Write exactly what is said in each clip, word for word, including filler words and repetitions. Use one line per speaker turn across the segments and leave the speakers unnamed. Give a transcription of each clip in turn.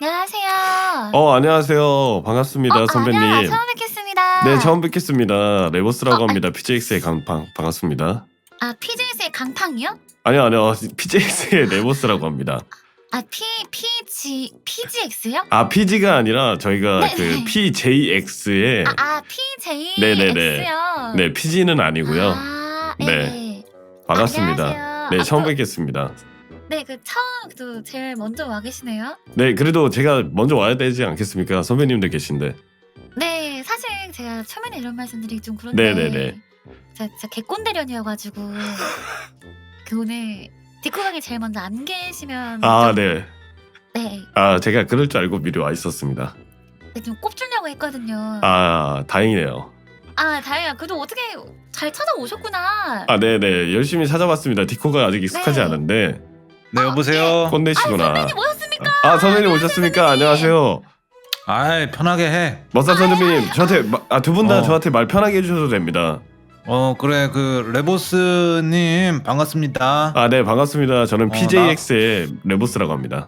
안녕하세요.
어 안녕하세요. 반갑습니다
어,
선배님.
아니야, 처음 뵙겠습니다.
네 처음 뵙겠습니다. 레보스라고
어,
합니다. 피제이엑스의 강팡 반갑습니다.
아, 피제이스의 강팡이요?
아니요 아니요 피제이엑스의 레보스라고 합니다.
아, P, PG, 피지엑스요?
아 피지가 아니라 저희가
네,
그
네.
피제이엑스의
아, 아, 피제이엑스요?
네네네. 네 피지는 아니고요.
아,
네.
네.
반갑습니다.
안녕하세요.
네
아,
처음
또-
뵙겠습니다.
네, 그 처음, 또 제일 먼저 와 계시네요.
네 그래도 제가 먼저 와야 되지 않겠습니까? 선배님들 계신데.
네, 사실 제가 처음에는 이런 말씀드리기 좀 그런데
네네네.
제가 진짜 개꼰대련이어가지고 그 오늘 디코방에 제일 먼저 안 계시면
아
좀,
네.
네,
아 제가 그럴 줄 알고 미리 와 있었습니다.
네, 좀 꼽주려고 했거든요.
아 다행이네요.
아, 다행이야. 그래도 어떻게 잘 찾아오셨구나.
아 네네 열심히 찾아봤습니다. 디코가 아직 익숙하지
네.
않은데.
네 여보세요.
꼰대시구나.
선배님 오셨습니까?
아 선배님 오셨습니까? 안녕하세요.
아이 편하게 해.
머싸 선배님 저한테 아 두 분 다
어.
저한테 말 편하게 해주셔도 됩니다.
어 그래 그 레보스님 반갑습니다.
아 네 반갑습니다. 저는
어,
피제이엑스의 레보스라고 합니다.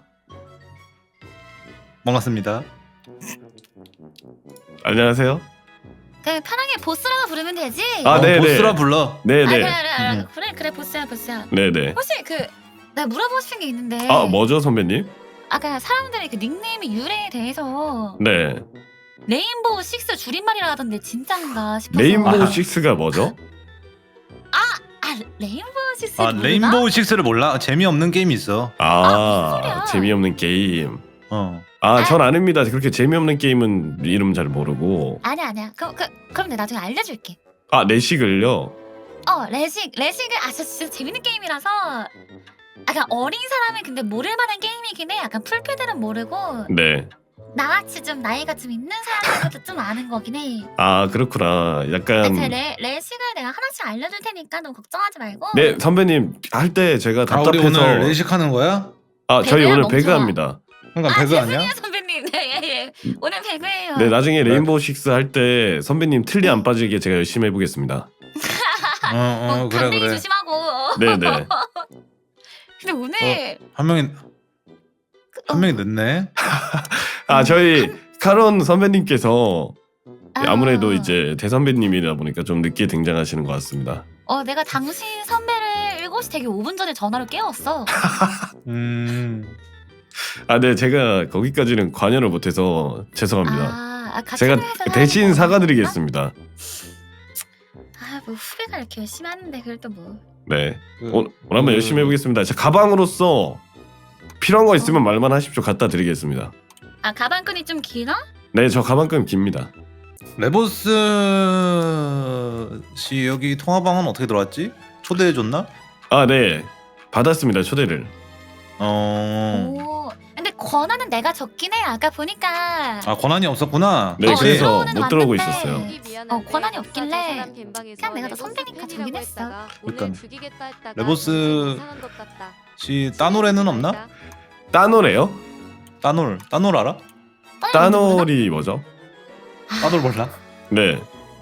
반갑습니다.
안녕하세요.
그냥 편하게 보스라고 부르면 되지.
아,
어,
네네.
보스라 불러.
아, 그래,
네네.
그래, 그래,
음.
그래, 그래, 보스야, 보스야.
네네.
혹시 그, 나 물어보고 싶은 게 있는데.
아 뭐죠 선배님?
아까 사람들의 그 닉네임의 유래에 대해서
네.
레인보우 식스 줄임말이라 하던데 진짠가 싶어서.
레인보우
아하.
식스가 뭐죠?
아, 레인보우 식스.
아 레인보우 식스를 몰라? 재미없는 게임이 있어.
아, 무슨
아
소리야.
재미없는 게임.
어.
아 전 아닙니다. 그렇게 재미없는 게임은 이름 잘 모르고.
아니야, 아니야. 그, 그, 그럼 내가 나중에 알려줄게.
아 레식을요?
어, 레식, 레식을, 아, 진짜, 진짜 재밌는 게임이라서. 약간 어린 사람은 근데 모를 만한 게임이긴 해. 약간 풀패들은 모르고.
네.
나같이 좀 나이가 좀 있는 사람들도 좀 아는 거긴 해.
아 그렇구나. 약간.
근데 레, 레식을 내가 하나씩 알려줄 테니까 너 걱정하지 말고.
네 선배님 할 때 제가
아 우리
답답해서.
오늘 레이식하는 거야?
아 저희
배그야,
오늘
멍청아.
배그합니다.
그러니까
아,
배그 아니야?
죄송해요 선배님. 네, 예, 예. 오늘 배그예요.
네 나중에
네.
레인보우 식스 할 때 선배님 틀리 안 빠지게 제가 열심히 해보겠습니다.
어,
어,
어 그래
강냉이
그래.
조심하고.
네네.
근데 오늘
한 명이
그,
한 명이 늦네.
아 저희 카론 선배님께서
아,
아무래도 이제 대선배님이다 보니까 좀 늦게 등장하시는 것 같습니다.
어 내가 당신 선배를 일곱 시 되기 오 분 전에 전화로 깨웠어.
음.
아 네 제가 거기까지는 관여를 못해서 죄송합니다.
아, 아 같이
제가
회사를
대신
하는
사과드리겠습니다.
아, 뭐 후배가 이렇게 열심히 하는데 그걸 또 뭐.
네
그,
오늘 오늘 한번
그-
열심히 해보겠습니다. 제 가방으로서 필요한 거 있으면 말만 하십시오. 갖다 드리겠습니다.
아, 가방끈이 좀 기나?
네 저 가방끈 깁니다.
레보스 씨 여기 통화방은 어떻게 들어왔지? 초대해 줬나?
아 네 받았습니다 초대를.
어.
오. 근데 권한은 내가 적긴 해. 아까 보니까.
아 권한이 없었구나.
네
어,
그래서
들어오는
못 들어오고
왔는데.
있었어요.
어, 권한이 없길래 그냥 내가 더 선배니까 저긴 했어.
그러니까 레보스 씨 따노래는 없나?
따노래요?
따놀 따놀 알아?
따놀이 뭐죠?
따놀 몰라?
네.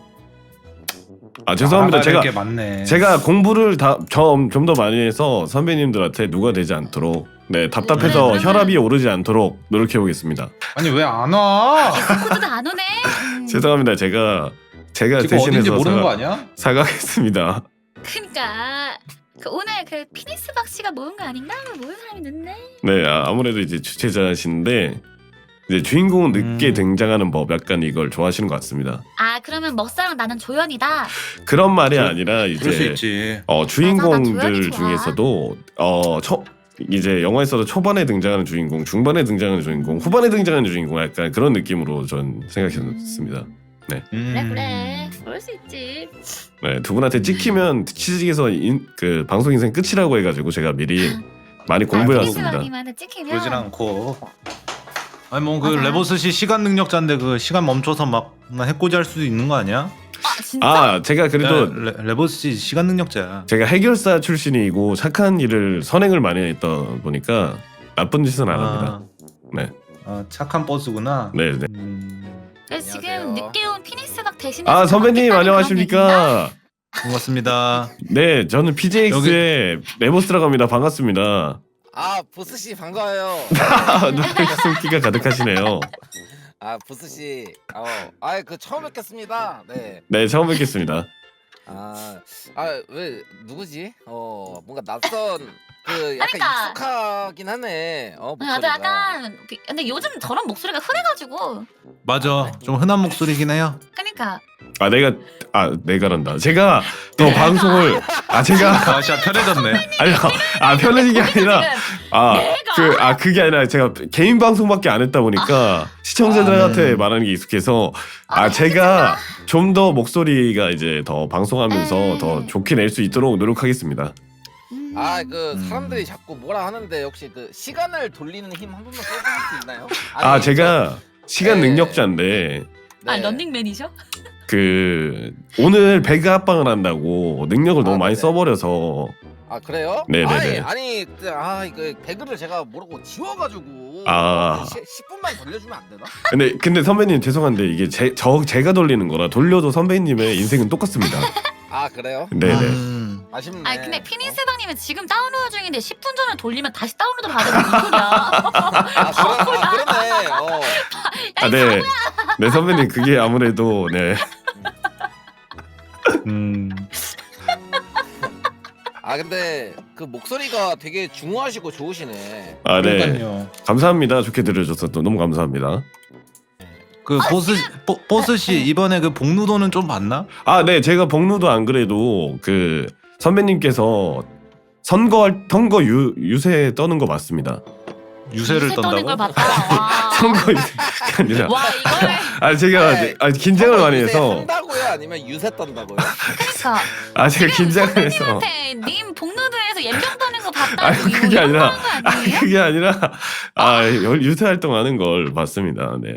아 죄송합니다. 제가
게 많네.
제가 공부를 다좀좀 더 많이 해서 선배님들한테 누가 되지 않도록 네 답답해서
그래, 그러면-
혈압이 오르지 않도록 노력해 보겠습니다.
아니 왜 안 와?
코드도 안 오네. 음.
죄송합니다. 제가 제가
지금 어딘지
대신해서
모르는
사과,
거 아니야?
사과하겠습니다.
그러니까 그 오늘 그 피니스 박 씨가 모은 거 아닌가? 모은 사람이 늦네.
네 아, 아무래도 이제 주최자신데 이제 주인공은 늦게
음.
등장하는 법 약간 이걸 좋아하시는 것 같습니다.
아, 그러면 먹사랑 나는 조연이다.
그런 말이
그-
아니라
그럴 수
이제
있지.
어
맞아, 나
주인공들
조연이 좋아.
중에서도 어 초, 이제 영화에서도 초반에 등장하는 주인공, 중반에 등장하는 주인공, 후반에 등장하는 주인공 약간 그런 느낌으로 전 생각했습니다.
그래
음.
그래. 그럴 수 있지.
네, 두 분한테 찍히면 취직에서 인, 그 방송 인생 끝이라고 해가지고 제가 미리 많이 공부해
피니스
왔습니다.
박님한테 찍히면.
그러진 않고. 아니 뭐 그
맞아.
레보스 씨 시간 능력자인데 그 시간 멈춰서 막 해코지 할 수도 있는 거 아니야?
아, 진짜?
아 제가 그래도
레, 레보스 씨 시간 능력자야.
제가 해결사 출신이고 착한 일을 선행을 많이 했다 보니까 나쁜 짓은 안 합니다. 네,
아, 착한 버스구나.
네, 네.
음,
그래서 지금
안녕하세요.
늦게 온 피니스 박 대신에.
아 선배님 안녕하십니까?
반갑습니다.
네, 저는 피제이엑스의 레보스라고 합니다. 반갑습니다.
아 보스 씨 반가워요.
숨기가 가득하시네요.
아 보스 씨, 어, 아그 처음 뵙겠습니다. 네.
네, 처음 뵙겠습니다.
아, 아 왜 누구지? 어, 뭔가 낯선 그 약간
그러니까.
익숙하긴 하네. 어,
나도
목소리가.
약간 비- 근데 요즘 저런 목소리가 흔해가지고
맞아. 좀 흔한 목소리긴 해요.
그러니까
아, 내가 아, 내가란다. 제가 또 방송을 아, 제가
아 진짜 편해졌네.
아니, 아, 편해진 게 아니라
지금
아,
내가?
그, 아, 그게 아니라 제가 개인 방송밖에 안 했다 보니까 시청자들한테
아, 음.
말하는 게 익숙해서 아, 제가 좀 더 목소리가 이제 더 방송하면서
음.
더 좋게 낼 수 있도록 노력하겠습니다.
음.
아, 그
음.
사람들이 자꾸 뭐라 하는데 혹시 그 시간을 돌리는 힘 한 번만 써볼 수 있나요?
아,
아니,
제가 시간
네.
능력자인데
저-
아
네.
런닝맨이죠?
그 오늘 배그 합방을 한다고 능력을 너무
아,
많이
네네.
써버려서
아 그래요?
네네네.
아니 아니 그, 아 이거 배그를 제가 모르고 지워가지고
아.
십 분만 돌려주면 안 되나?
근데 근데 선배님 죄송한데 이게 제, 저 제가 돌리는 거라 돌려도 선배님의 인생은 똑같습니다.
아 그래요?
네네.
음.
아쉽네.
아 근데 피니스방님은 지금 다운로드 중인데 십 분 전에 돌리면 다시 다운로드 받으면 무슨 소리야?
아, 그러, 아 그러네. 어.
아, 네. 네 선배님 그게 아무래도 네.
음.
아 근데 그 목소리가 되게 중후하시고 좋으시네.
아, 네.
그러니까요.
감사합니다. 좋게 들어줘서 또 너무 감사합니다.
그 보스 보, 보스 씨 이번에 그 복루도는 좀 봤나?
아, 네. 제가 복루도 안 그래도 그 선배님께서 선거 선거 유, 유세 떠는 거 맞습니다.
유세를
유세 떠는 걸
떤다고?
봤다. 와.
선거 유세가 아니라
와 이거를
아 제가
네.
아, 긴장을 많이
유세
해서
한다고요? 아니면 유세 떤다고요?
그러니까
아 제가 긴장을 해서
선생님한테 님 복로드에서 연병 떠는 거 봤다.
아니, 그게 아니라-
거
아
아니에요?
그게 아니라 아 유세 활동하는 걸 봤습니다. 네.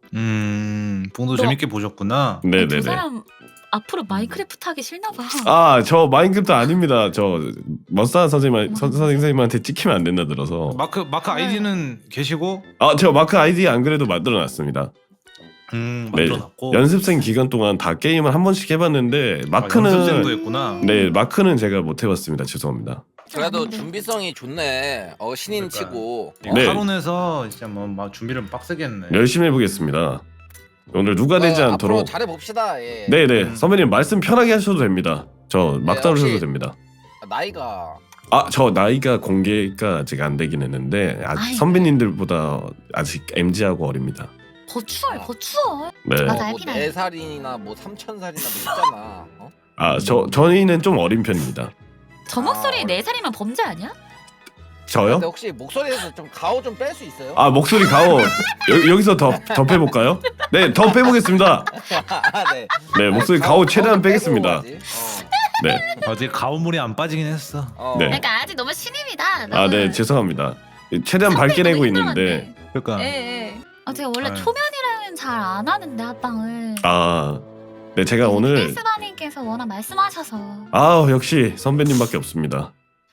음. 복루
너-
재밌게 보셨구나.
두
네네네.
사람 앞으로 마인크래프트 하기 싫나 봐.
아 저 마인크래프트 아닙니다. 저 머싸 선생님 선, 선생님한테 찍히면 안 된다 들어서
마크 마크 아이디는 계시고
아 저 마크 아이디 안 그래도 만들어놨습니다.
음
네.
만들어놨고
연습생 기간 동안 다 게임을 한 번씩 해봤는데
아,
마크는
연습생도 했구나.
네 마크는 제가 못 해봤습니다. 죄송합니다.
그래도 준비성이 좋네. 어 신인
그러니까.
치고. 어?
네.
하론에서 진짜 뭐 막 준비를 빡세게 했네.
열심히 해보겠습니다. 오늘 누가 되지
어,
않도록
앞으로 잘해 봅시다. 예.
네네
음.
선배님 말씀 편하게 하셔도 됩니다. 저 막
네,
다루셔도
혹시-
됩니다.
아, 나이가
아 저 나이가 공개가 아직 안 되긴 했는데 아직
아이고.
선배님들보다 아직 엠지하고 어립니다.
버추얼 버추얼.
네.
맞아.
뭐
알긴
네 살이나 뭐 삼천 살이나 뭐 있잖아. 어?
아 저 저희는 좀 어린 편입니다.
저
아,
목소리
어려-
네 살이면 범죄 아니야?
저요?
근데 혹시 목소리에서 좀 가오 좀 뺄 수 있어요?
아 목소리 가오 여, 여기서 더 더 빼볼까요? 네 더 빼보겠습니다.
아, 네.
네 목소리
아니,
가오 최대한
가오 빼고
빼겠습니다.
하지.
네.
아직 가오물이 안 빠지긴 했어.
어. 어.
네.
그러니까 아직 너무 신입이다.
아 네 죄송합니다. 최대한 밝게 내고 있는데
그러니까
예, 예. 아 제가 원래
아유.
초면이랑은 잘 안 하는데 합방을.
아 네 제가 오늘
페이스바님께서 워낙 말씀하셔서.
아 역시 선배님밖에 없습니다.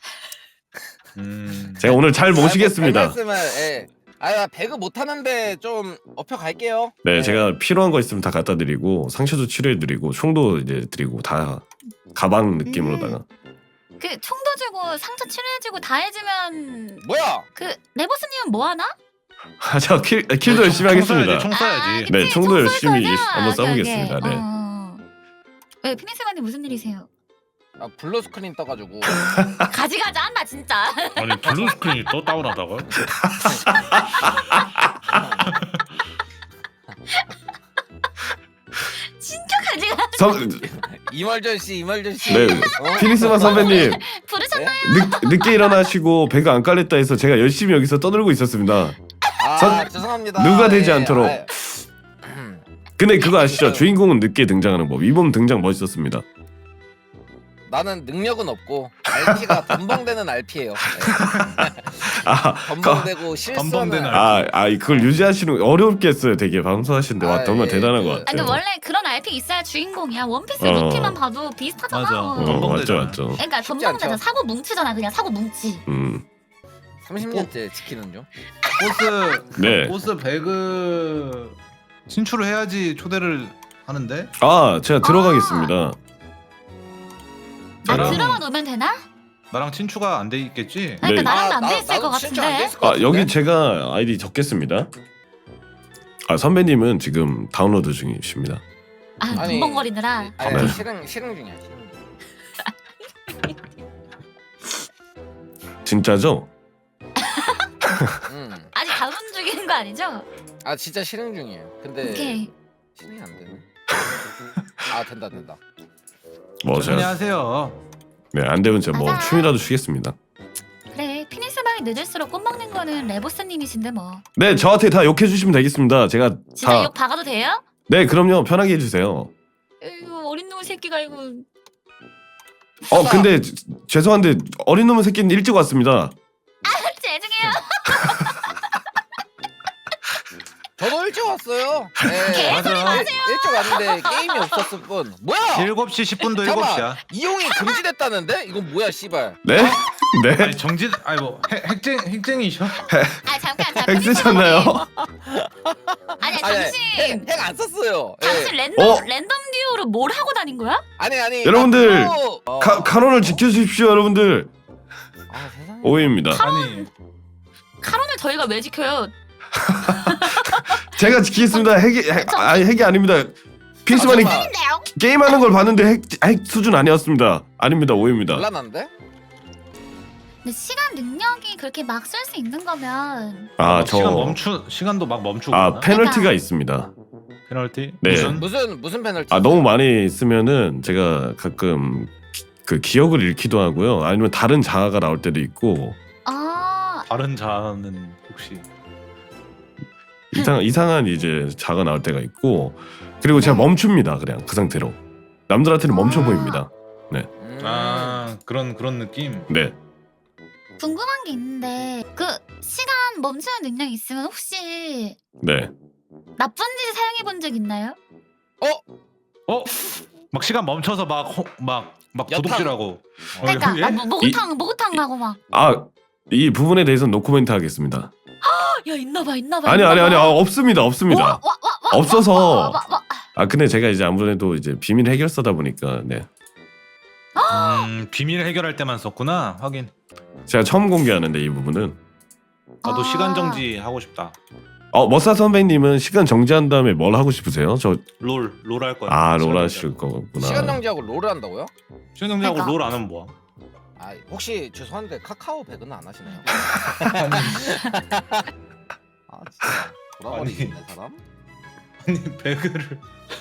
음.
제가 오늘 잘 모시겠습니다.
아, 뭐, 별 말씀을, 예. 아, 나 배그 못 하는데 좀 업혀 갈게요.
네, 제가 필요한 거 있으면 다 갖다 드리고 상처도 치료해 드리고 총도 이제 드리고 다 가방 느낌으로다가.
그 총도 주고 상처 치료해주고 다 해주면
뭐야?
그 레버스님은 뭐 하나?
아, 저 킬, 킬도 열심히 하겠습니다.
총 쏴야지.
네,
그치,
총도
총 쏠
열심히
거죠?
한번
오케이,
쏴보겠습니다.
오케이.
네.
어. 왜 피니스반님 무슨 일이세요?
아, 블루 스크린 떠가지고.
가지가지 한다 진짜.
아니 블루 스크린이 또 다운하다고요?
진짜 가지가.
선,
이말전 씨, 이말전 씨.
네,
어?
피니스만 선배님
부르셨나요?
늦, 늦게 일어나시고 배가 안 깔렸다 해서 제가 열심히 여기서 떠들고 있었습니다.
아,
선-
죄송합니다.
누가 되지
예,
않도록.
아,
근데 그거 아시죠? 주인공은 늦게 등장하는 법. 이번 등장 멋있었습니다.
나는 능력은 없고 알피가 덤벙대는 알피예요.
아,
덤벙대고 실수하는.
덤벙대는
아, 아, 그걸 유지하시는 거 어렵게 했어요. 되게 방송하시는데 와
아,
정말
예,
대단한
그-
것
아니 근데
같아요.
원래 그런 알피 있어야 주인공이야. 원피스
어.
루피만 봐도 비슷하잖아.
맞아.
어,
덤벙
맞죠,
되잖아.
맞죠.
그러니까
쉽지
덤벙대잖아.
않죠.
사고 뭉치잖아. 그냥 사고 뭉치.
음,
삼십 년째 지키는 중.
보스
네.
보스 배그 진출을 해야지 초대를 하는데.
아, 제가 들어가겠습니다.
아
나랑-
들어가 놓으면 되나?
나랑 친추가 안 돼 있겠지?
그러니까
네.
나랑도 안
나-
돼 있을
나도
것
진짜 안돼
같은데.
있을 것
아
같은데?
여기 제가 아이디 적겠습니다. 아 선배님은 지금 다운로드 중이십니다.
아
아니,
벙벙거리느라.
아니
네.
아니 실행 실행 중이야 실행 중.
진짜죠?
음.
아직 다운 중인 거 아니죠?
아 진짜 실행 중이에요. 근데
오케이.
실행이 안 되네. 아 된다 된다.
뭐
천천히
제가
하세요.
네안 되면 제가 뭐
맞아.
춤이라도 추겠습니다.
그래 피니스 방이 늦을수록 꽃 먹는 거는 레보스님이신데 뭐.
네 저한테 다 욕해 주시면 되겠습니다. 제가
진짜
다
욕 박아도 돼요?
네 그럼요 편하게 해주세요.
이거 어린 놈의 새끼가 이거.
어 근데 지- 죄송한데 어린 놈의 새끼는 일찍 왔습니다.
죄송해요.
저도 일찍 왔어요. 네.
맞아.
일, 일찍 왔는데 게임이 없었을 뿐. 뭐야?
일곱 시 십 분도 일곱 시야.
잠깐만. 이용이 금지됐다는데? 이건 뭐야 씨발.
네? 네?
아니 정지 아니 뭐 핵- 핵쟁 핵쟁이셔?
아 잠깐 잠깐.
핵 쓰셨나요?
아니
아니,
당신
핵안 썼어요. 예.
당신 랜덤
어?
랜덤 듀오로 뭘 하고 다닌 거야?
아니 아니.
여러분들,
나 그거- 어.
카, 카론을 지켜주십시오 여러분들.
아 세상에.
오해입니다.
아니
카론을 저희가 왜 지켜요?
제가 지키겠습니다. 핵이 핵, 아니 핵이 아닙니다. 피스만이
아, 잠깐만.
근데요?
게임하는 걸 봤는데 핵, 핵 수준 아니었습니다. 아닙니다. 오해입니다.
곤란한데?
근데 시간 능력이 그렇게 막 쓸 수 있는 거면
아
막 시간
저
멈추 시간도 막 멈추고
아
그러나?
페널티가
그러니까.
있습니다.
페널티
네.
무슨
무슨 무슨 페널티?
아 너무 많이 쓰면은 제가 가끔 기, 그 기억을 잃기도 하고요. 아니면 다른 자아가 나올 때도 있고
아
다른 자는 혹시
이상 이상한 이제 자아가 나올 때가 있고 그리고 제가 멈춥니다. 그냥 그 상태로 남들한테는 멈춰
아.
보입니다.
음.
아 그런 그런 느낌.
네.
궁금한 게 있는데 그 시간 멈추는 능력이 있으면 혹시
네.
나쁜 짓 사용해 본 적 있나요?
어? 막 시간 멈춰서 막 막 막
여탕.
도둑질하고.
그러니까
어, 예?
아, 뭐, 목욕탕 목욕탕 가고 막.
아 이 부분에 대해서 노코멘트 하겠습니다.
야 있나봐 있나봐.
아니 아니 아니 아, 없습니다 없습니다.
와, 와, 와, 와,
없어서.
와, 와, 와, 와.
아 근데 제가 이제 아무래도 이제 비밀 해결사다 보니까 네
음, 비밀 해결할 때만 썼구나. 하긴
제가 처음 공개하는데 이 부분은
나도
아.
시간 정지 하고 싶다.
어 머싸 선배님은 시간 정지한 다음에 뭘 하고 싶으세요? 저
롤 롤 할 거야.
아
시간
롤
정지.
하실 거구나.
시간 정지하고 롤을 한다고요?
시간 정지하고
그러니까.
롤 안 하면 뭐야?
아 혹시 죄송한데 카카오 백은 안 하시나요? 아 진짜 돌아버리겠네 사람.
아니 배그를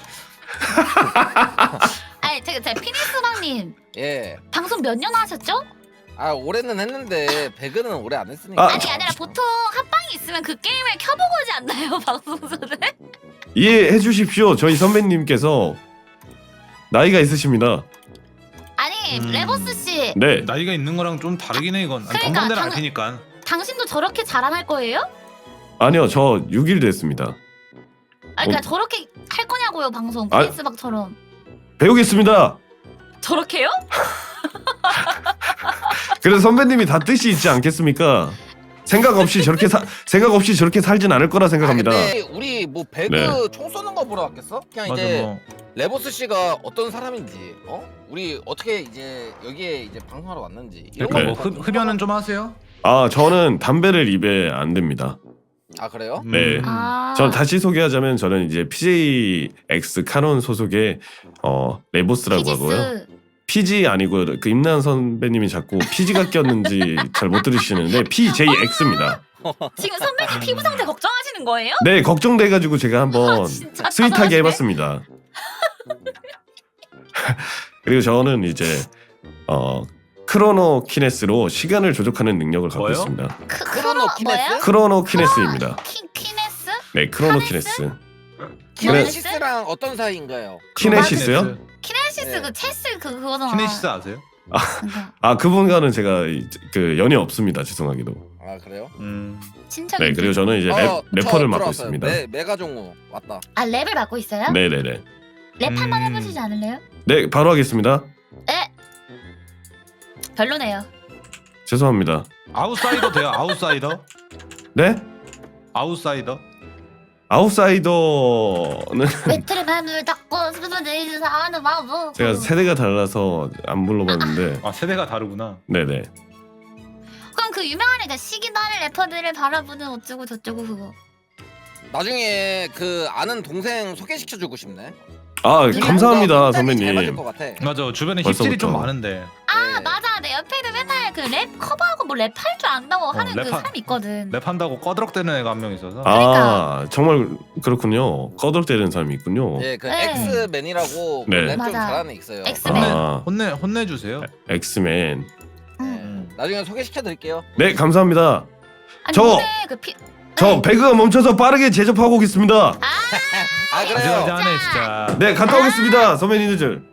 아니 제가 제가 피니스방님
예.
방송 몇 년 하셨죠?
아 올해는 했는데 배그는 오래 안 했으니까.
아,
아니 아니라 보통 합방이 있으면 그 게임을 켜보고 하지 않나요 방송소는?
이해해 주십시오. 저희 선배님께서 나이가 있으십니다.
아니
음.
레버스 씨
네.
나이가 있는 거랑 좀 다르긴 해 이건. 아니,
그러니까,
건방대는 알
당-
테니까.
당신도 저렇게 자랑할 거예요?
아니요 저 육 일 됐습니다.
아니 그러니까
어.
저렇게 할 거냐고요 방송
아.
피니스방처럼.
배우겠습니다.
저렇게요?
그래서 선배님이 다 뜻이 있지 않겠습니까? 생각 없이 저렇게 사, 생각 없이 저렇게 살진 않을 거라 생각합니다.
아, 근데 우리 뭐 배그
네.
총 쏘는 거 보러 왔겠어? 그냥
맞아
이제
뭐.
레버스 씨가 어떤 사람인지, 어? 우리 어떻게 이제 여기에 이제 방송하러 왔는지 이런
네.
뭐
거
흡, 흡연은 좀 하세요?
아 저는 담배를 입에 안 댑니다.
아 그래요?
네.
음.
아.
전 다시 소개하자면 저는 이제 피제이엑스 카논 소속의 어 레보스라고 하고요.
피지스.
피지 아니고 그 임나은 선배님이 자꾸 피지가 꼈는지 잘 못 들으시는데 피제이엑스입니다.
지금 선배님 피부 상태 걱정하시는 거예요?
네 걱정돼가지고 제가 한번
아, 진짜
스윗하게
잘하시네.
해봤습니다. 그리고 저는 이제 어 크로노 키네스로 시간을 조작하는 능력을 갖고
뭐요?
있습니다.
크,
크로노 키네스?
뭐예요?
크로노 키네스입니다.
키, 키네스?
네 크로노
카네스?
키네스.
키네시스랑 어떤 사이인가요?
키네시스요?
키네시스
네.
그 체스 그 그거잖아.
키네시스 아세요?
그거.
아 그분과는 제가 이- 그 연이 없습니다. 죄송하게도.
아 그래요?
음.
친척.
네 그리고 저는 이제 랩,
어, 저
래퍼를 맡고
들어왔어요.
있습니다.
메, 메가종우 왔다.
아 랩을 맡고 있어요?
네네네.
랩 한번
음.
해보시지 않을래요?
네 바로 하겠습니다.
네. 별로네요.
죄송합니다.
아웃사이더 돼요? 아웃사이더?
네?
아웃사이더?
아웃사이더는
매트를 맘을 닫고 스스로 내리는 하는 마음.
제가 세대가 달라서 안 불러봤는데
아 세대가 다르구나.
네네.
그럼 그 유명한 애가 시기나는 래퍼들을 바라보는 어쩌고 저쩌고 그거.
나중에 그 아는 동생 소개시켜주고 싶네.
아
그래?
감사합니다
잘 맞을
선배님.
것 같아.
맞아 주변에
벌써부터.
힙질이 좀 많은데.
아
네.
맞아 내 옆에도 맨날 그 랩 커버하고 뭐 랩할 줄 안다고 하는 그
랩하-
사람 있거든.
랩한다고 꺼드럭대는 애가 한 명 있어서.
아 정말 그렇군요. 꺼덕대는 사람이 있군요.
예, 그
네.
엑스맨이라고
네.
랩좀
맞아.
잘하는 애 있어요.
엑스맨.
아
혼내 혼내주세요.
엑스맨.
응.
네. 나중에 소개시켜드릴게요.
네 감사합니다.
아니
저-
오늘 그 피...
저
네.
배그가 멈춰서 빠르게 제접하고 오겠습니다.
아 그래요.
가지가지하네 진짜.
네 갔다 오겠습니다 선배님들.